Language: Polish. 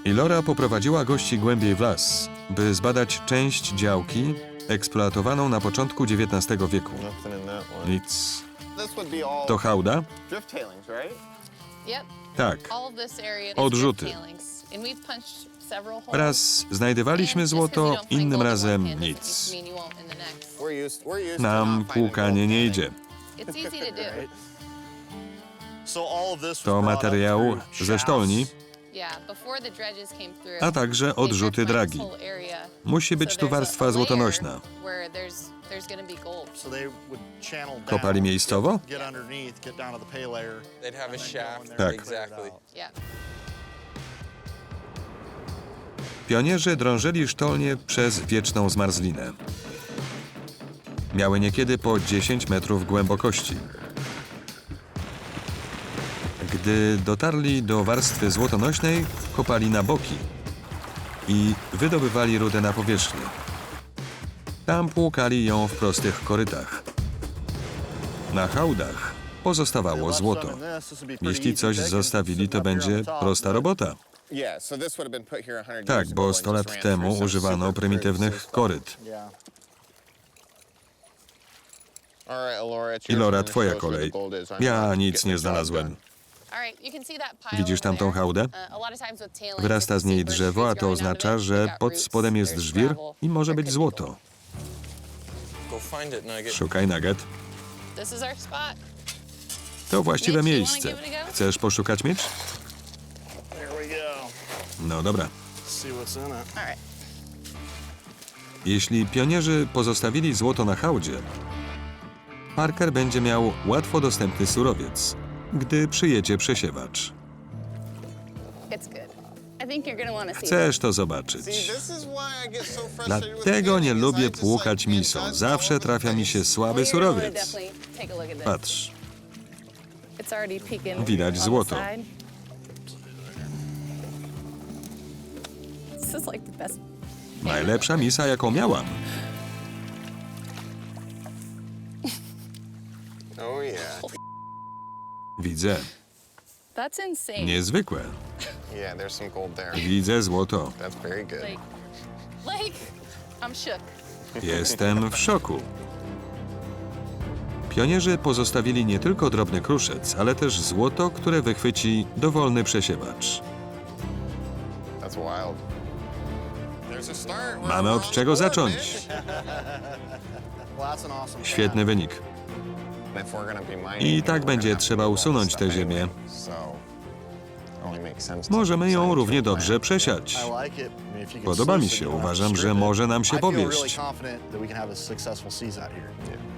Ilora poprowadziła gości głębiej w las, by zbadać część działki eksploatowaną na początku XIX wieku. Nic. To hałda? Tak. Odrzuty. Raz znajdywaliśmy złoto, innym razem nic. Nam płukanie nie idzie. To materiał ze sztolni, a także odrzuty dragi. Musi być tu warstwa złotonośna. Kopali miejscowo? Tak. Pionierzy drążyli sztolnię przez wieczną zmarzlinę. Miały niekiedy po 10 metrów głębokości. Gdy dotarli do warstwy złotonośnej, kopali na boki i wydobywali rudę na powierzchnię. Tam płukali ją w prostych korytach. Na hałdach pozostawało złoto. Jeśli coś zostawili, to będzie prosta robota. Tak, bo 100 lat temu używano prymitywnych koryt. Ilora, twoja kolej. Ja nic nie znalazłem. Widzisz tamtą hałdę? Wyrasta z niej drzewo, a to oznacza, że pod spodem jest żwir i może być złoto. Szukaj nugget. To właściwe miejsce. Chcesz poszukać miecz? No dobra. Jeśli pionierzy pozostawili złoto na hałdzie, Parker będzie miał łatwo dostępny surowiec, gdy przyjedzie przesiewacz. Chcesz to zobaczyć. Dlatego nie lubię płukać misą. Zawsze trafia mi się słaby surowiec. Patrz. Widać złoto. Najlepsza misa, jaką miałam. Widzę. Niezwykłe. Widzę złoto. Jestem w szoku. Pionierzy pozostawili nie tylko drobny kruszec, ale też złoto, które wychwyci dowolny przesiewacz. Mamy od czego zacząć. Świetny wynik. I tak będzie trzeba usunąć tę ziemię. Możemy ją równie dobrze przesiać. Podoba mi się. Uważam, że może nam się powieść.